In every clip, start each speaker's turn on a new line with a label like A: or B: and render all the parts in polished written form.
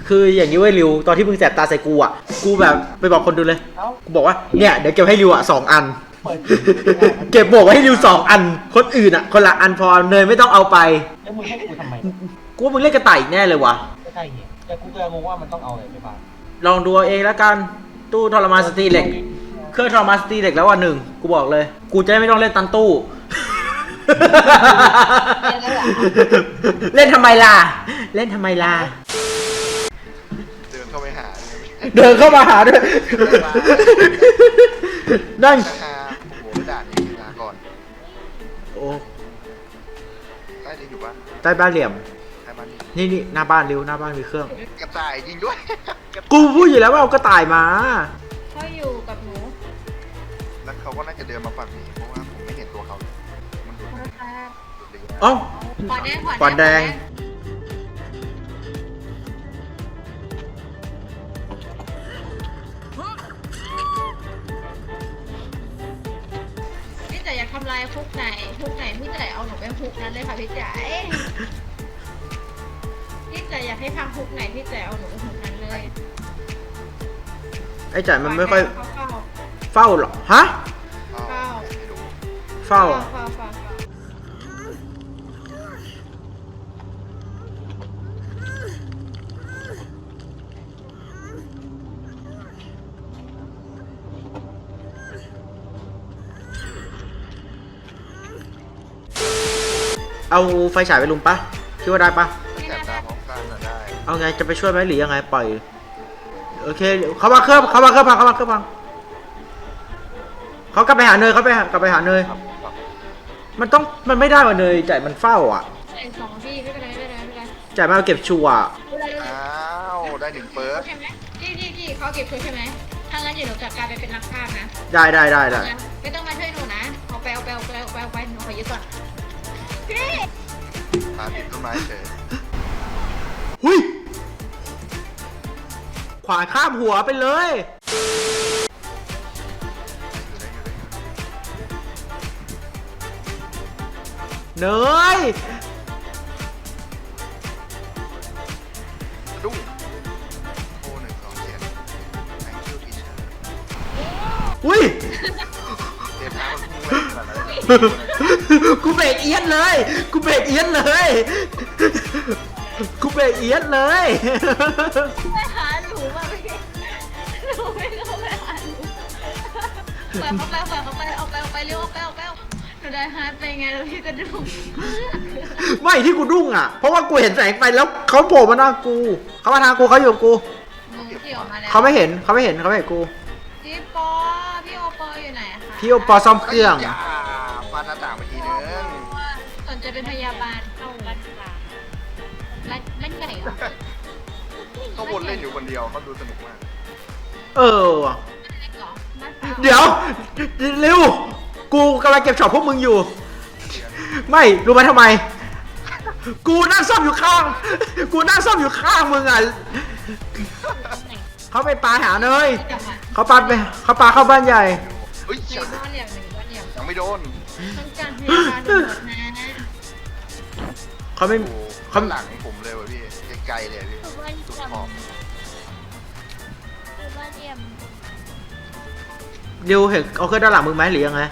A: คืออย่างนี้เว้ยริวตอนที่มึงแสบตาใส่กูอ่ะกูแบบไปบอกคนดูเลยกูบอกว่าเนี่ยเดี๋ยวเก็บให้ริวอ่ะ2 อันเก็บบอกไว้ให้ริว2 อันคนอื่นอ่ะคนละอันพอเนยไม่ต้องเอาไป
B: แล้วมึงให้กูทำไม
A: กูว่ามึงเล่นกระต่ายอีกแน่เลยวะ
B: ก็ใช่เนี่ยแต่กูก็งงว่ามันต้องเอาอะไรไปบ้าง
A: ลองดูเอาเองแล้วกันตู้ทรมานสตรีเหล็กเครื่องทรมานสตรีเหล็กแล้ววันหนึ่งกูบอกเลยกูจะไม่ต้องเล่นตันตู้เล่นทำไมล่ะเล่นทำไมล่ะ
C: เดินเข้าไปหา
A: เดินเข้ามาหาด้วยนั่น
C: โอ้โหด่านนี้ลาก่อน
A: โอ้
C: ใต้ดินอยู่ปะ
A: ใต้บ้านเหลี่ยม
C: ใต้บ้าน
A: นี่หน้าบ้านริวหน้าบ้านมีเครื่อง
C: กระต่ายจริงด้วย
A: กูพูดอยู่แล้วว่าเอากระต่ายมา
D: เขาอยู่กับหนู
C: แล้วเขาก็น่าจะเดินมาฝั่งนี้เพราะว่าผมไม่เห็นตัวเขาเลยมันดู
A: เอ้าขวานแดง
D: พี่จ๋าอยากทำลายคุกไหนพี่จ๋าเอาหนูไปคุกนั้นเลยค่ะพี่จ๋าพี่จ๋าอยากให้พังคุกไหนพี่จ๋าเอาหนูไปคุกนั้นเลย
A: ไอ้จ่ายมันไม่ค่อยเฝ้าหรอฮะเฝ้าเอาไฟฉายไปลุมปะคิดว่าได้ปะ
C: แสบตาพร้อมกันได้
A: เอาไงจะไปช่วยไหมหรือยังไงปล่อยโอเคเขามาเครื่องพังเขากลับไปหาเนยกลับไปหาเนยมันไม่ได้ว่ะเนยจ่ายมันเฝ้าอ่ะ
D: 2 ที่ไม่เป็นไร
A: จ่ายมาเก็บชัวร์
C: อ้าวได้1 เปิร์ก
D: ใช่ไหมที่เขาเก็บชัวร์ใช่ไหมถ้างั้นเดี๋ยวหนูจัดการไปเป็นนักฆ่านะ
A: ได้
D: ไม่ต้องมาช่วยหนูนะเอาไปหนูขอยึดก่อน
C: หาติดต้นไม้เฉย
A: หุยขวาข้ามหัวไปเลยเนย
C: ดุ้งโอ้1 2 7 thank you teacher
A: อุ้ย
C: เทปน้ำมันพุ่งเลยขนาดนั้น
A: กูเบรกเอียดเลยกูเบรกเอียดเลย
D: ไม่หาหนูมาพี่หนูไม่เข้าไปหาหนูปล่อยเขาไปออกไปเร็วออกไปหนูได้ฮาร์ดไปไงแล้วพี่ก็ดุ้ง
A: ไม่ที่กูดุ้งอ่ะเพราะว่ากูเห็นแสงไฟแล้วเขาโผล่มาหน้ากูเขามาทางกูเขาอยู่กับกูเขาไม่เห็นกู
D: พี่โอปออยู่ไหนคะ
A: พี่โอปอซ่อมเครื่อง
C: ฟาดหน้าต่างไปทีนึง
D: สนใจเป็นพยาบาลเข้าบ้านใหญ่เหรอ
C: เขาวนเล่นอยู่คนเดียวเขาดูสนุกมาก
A: เดี๋ยวเร็วกูกำลังเก็บช็อตพวกมึงอยู่ไม่รู้ไหมทำไมกูนั่งซ่อมอยู่ข้างมึงอ่ะเขาไปปลาหาเนยเขาปลาเข้าบ้านใหญ่
C: ยังไม่โดน
D: ต้องการพยาบาลนะ
A: เขาไม่
C: เขาหลังผมเลยว่ะพี่ไกลๆเลยพี่สุดขอบ
A: เดี๋ยวเห็นเอาเครื่องด้านหลังมึงไหมหรือยังไง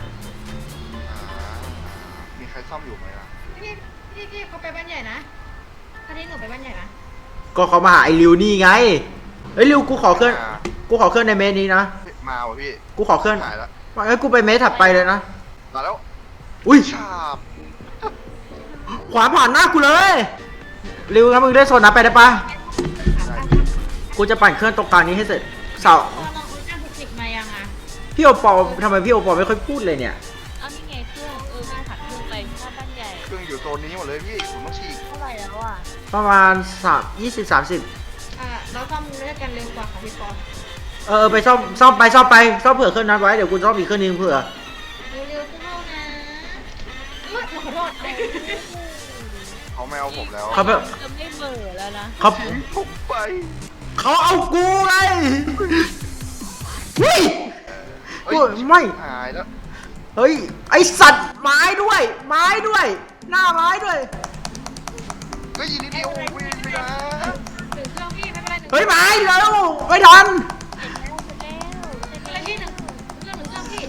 C: มีใครซ่อมอยู่ไหมล่ะ
D: พี่เขาไปบ้านใหญ่นะพาที่หนูไปบ้านใหญ่นะ
A: ก็เขามาหาไอ้ริวนี่ไงไอ้ริวกูขอเครื่องในเมสนี้นะ
C: มาว่ะพี่
A: กูขอเครื่อง
C: หายแล้ว
A: ไอ้กูไปเมสถัดไปเลยนะ
C: มาแล้ว
A: อุ้ย
C: ฉาบ
A: ขวาผ่านหน้ากูเลยริวงั้นมึงได้โซนนะไปได้ปะกูจะปั่นเครื่องตรงกลางนี้ให้เสร็จเสาพี่โอปอทำไมพี่โอปอไม่ค่อยพูดเลยเนี่ย
D: เอานี่ไงเครื่องมาถัดเครื่องไปหน้าบ้านใหญ่
C: เครื่องอยู่โซนนี้หมดเลยพี่ผมต้องฉีก
D: เท่าไหร่แล้วอ่ะ
A: ประมาณ20-30
D: เราซ่อมเลือกกันเร็วกว่าของพี่ป
A: อไปซ่อมเผื่อเครื่องนั้นไว้เดี๋ยวกูซ่อมอีกเครื่องนึงเผื่อ
D: เร็วเข้านะขอโทษ
C: เขาไม่เอาผมแล้ว
A: เขา
D: จะไม่เบื่อแล้วนะ
A: เขา
C: ไป
A: เขาเอากูไงเฮ้ยไม่
C: หายแล้ว
A: เฮ้ยไอสัตว์ไม้ด้วยหน้าไม้ด้วย
C: ก็ยินดีเดียววิ่งไปนะ
D: ถึงเครื่องพี่ไม่เป็นไร
A: เฮ้ยมาแล้วไม่ทัน
D: อะไรพี่หนึ่งเครื่องพี่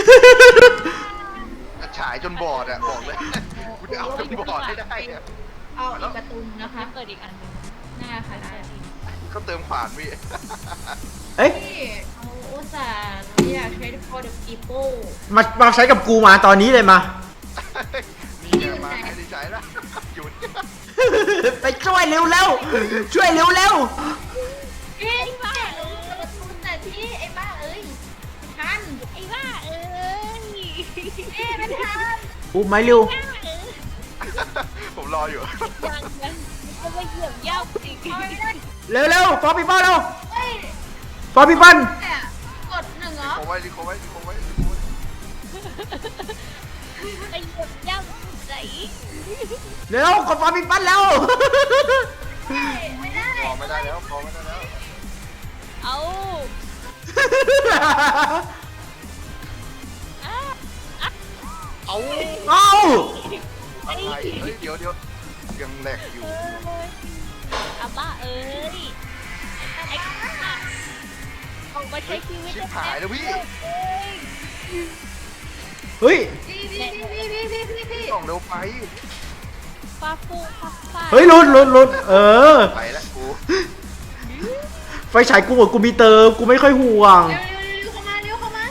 C: ฉายจนบอดอะบอกเลยกูจะเอาจนบอดให้ได้อะ
D: เอาอีกประตูนะคะ
E: เปิดอีกอันหนึง
D: ได้ค่ะได้
C: เขาเติมขวานพี่
A: เอ้ย
D: พี่เอาอุตส่าห์อยากใช้ for the people
A: มาใช้กับกูมาตอนนี้เลยมา
C: นี่ไงมาให้ได้ใช้แล้วอยู่เนี่ย
A: ไปช่วยเร็วแล้วช่วยเร็วแล้ว
D: พี่บ้าประตูแต่พี่ไอ้บ้าเอ้ยทัน
E: ไอ้บ้าเอ้ย
D: พี่ไม่ทัน
A: อุ้มไหมเร็ว
E: บ้าเอ้ย
C: ผมรออยู่
E: ยังมันจะมาเหยียบย่ำอีก
D: เอาไม่ได้
A: เร็วฟอร์ปีเปิลเร็ว
D: เฮ้ย
A: ฟอร์ปีเปิล
D: แต่กดหนึ่งเหรอ
C: รีโคไว้รีโคไว้รีโคไว้
E: ไปเหยียบย่ำไหน
A: เร็วกดฟอร์ปีเปิลแล้ว
D: ไม่ได้
C: พอไม่ได้แล้วพอไม่ได้แล้ว
E: เอาอ่ะ
C: เอา
A: เอ้า
C: อะไรเฮ้ยเดี๋ยวยังแหลกอยู่
E: อาบ้าเอ้ยไอ้บ้าออกมาใช้ชีวิต
C: ชิบหายแล้วพี่
A: เฮ้ย
D: พี่
C: ต้องเร็วไป
E: ฟ้าฟูฟ้าฟ้า
A: เฮ้ยลุ้นเออ
C: ไปแล้วกู
A: ไฟฉายกูหมดกูมีเติมกูไม่ค่อยห่วง
D: เร็วเข้ามาเร็วเข้ามา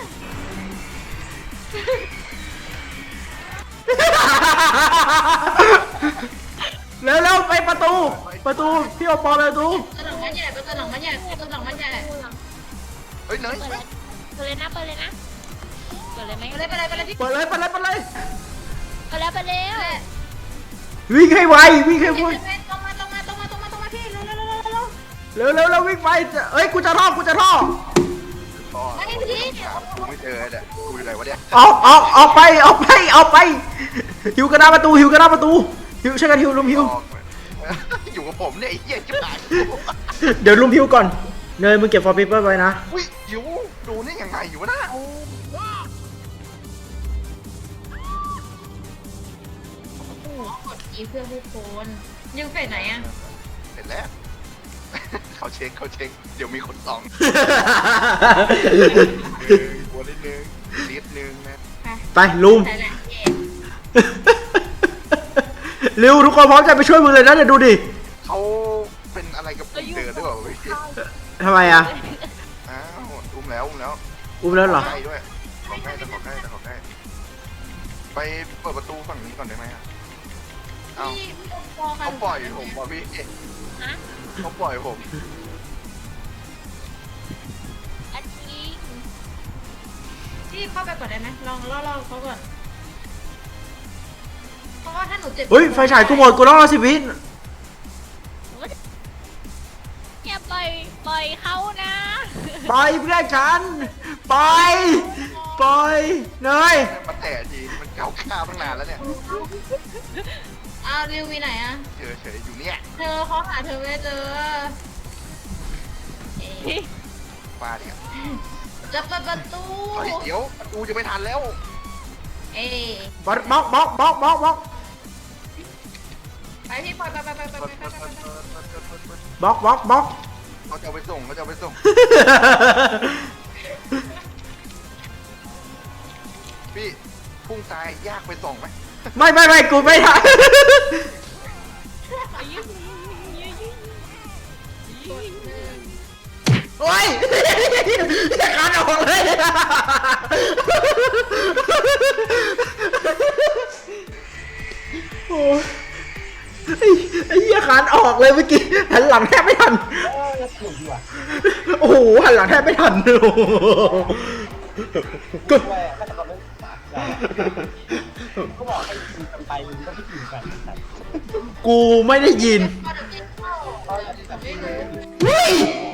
A: เร็วไปประตูพี่โอปอลไปประตู
D: ตัวหลังมันใหญ่ตัวหลังมันใหญ่ตัวหลังมันใหญ่
C: เฮ้ยเนย
E: เปิดเลยนะเปิดเลยนะเปิดเลยไหม
D: ไปเลยพี่
A: เปิดเลย
E: เปิดแล้วไปแล้ว
A: วิ่งให้ไววิ่งให้ไว
D: ตรงมาพี่เร็ว
A: เร็ววิ่งไปเอ้ยกูจะท่อ
C: พ่อถามกูไม่เจอเนี่ยกูอยู่ไหนวะเนี่ย
A: ออกไปหิวกระดาษประตูหิวช่วยกันหิวลุมหิว
C: อยู่กับผมเนี่ยไอ้เหี้ยชิบหาย
A: เดี๋ยวลุมหิวก่อนเนยมึงเก็บฟอร์ปีเปิลไว้นะ
C: อุ้ยอยู่ดูนี่ยังไงอยู่วะนะ
D: กดอีเพื่อผู้คนยังเฟสไหนอ่ะ
C: เสร็จแล้วเขาเช็คเดี๋ยวมีคนส่องหัวนิดนึงนิดนึงนะ
A: ไปลุม
D: ใช่แหละ
A: เร็วทุกคนพร้อมใจไปช่วยมึงเลยนะเดี๋ยวดูดิ
C: เขาเป็นอะไรกับผมเดินหรือเปล่าเว้ย
A: ทำไมอ่ะ
C: อ้าวอุ้มแล้ว
A: อุ้มแล้วเหรอ
C: ใกล้ด้วยขอใกล้ไปเปิดประตูฝั่งนี้ก่อนได้ไหมอ่ะเอ้า
D: พี่
C: เขาปล่อยผมว่ะพี่
E: ฮะ
C: เขาปล่อยผม
E: อันนี้
D: พี่เข้าไปก่อนได้ไหมลองล่อเขาก่อนเพราะว่าถ้าหนูเจ็บ
A: เฮ้ยไฟฉายกูหมดกูต้องรอ10 วิ
E: อย่าปล่อยเขานะ
A: ปล่อยเพื่อนฉันปล่อยเนย
C: มาแตะทีมันเก่าข้าวตั้งนานแล้วเนี่ย
D: อ้าวริวมีไหนอ่ะ
C: เฉยอยู่เนี่ย
D: เธอเขาหาเธอไม่เจอ
C: ฟาเนี่ย
D: จะเปิดประตู
C: เฮ้ยเดี๋ยวประตูจะไม่ทันแล้ว
D: เอ๊ะ
A: บล็อก
D: ไปพี่ปล่อยไป
C: บล็อก เขาจะเอาไปส่งพี่พุ่งตายยากไปส่งไหม
A: ไม่กูไม่ทันโอ้ยจะขาดออกเลยโอ้ยไอ้เหี้ยขาดออกเลยเมื่อกี้หันหลังแทบไม่ทันโอ้โหหันหลังแทบไม่ทันโอ้โหก็
B: เขาบอกให้ยิงกันไปมึงก็ไม่ยิงกัน
A: กูไม่ได้ยิน
D: พอเดี๋ยวพี่เข้า
A: เฮ้ย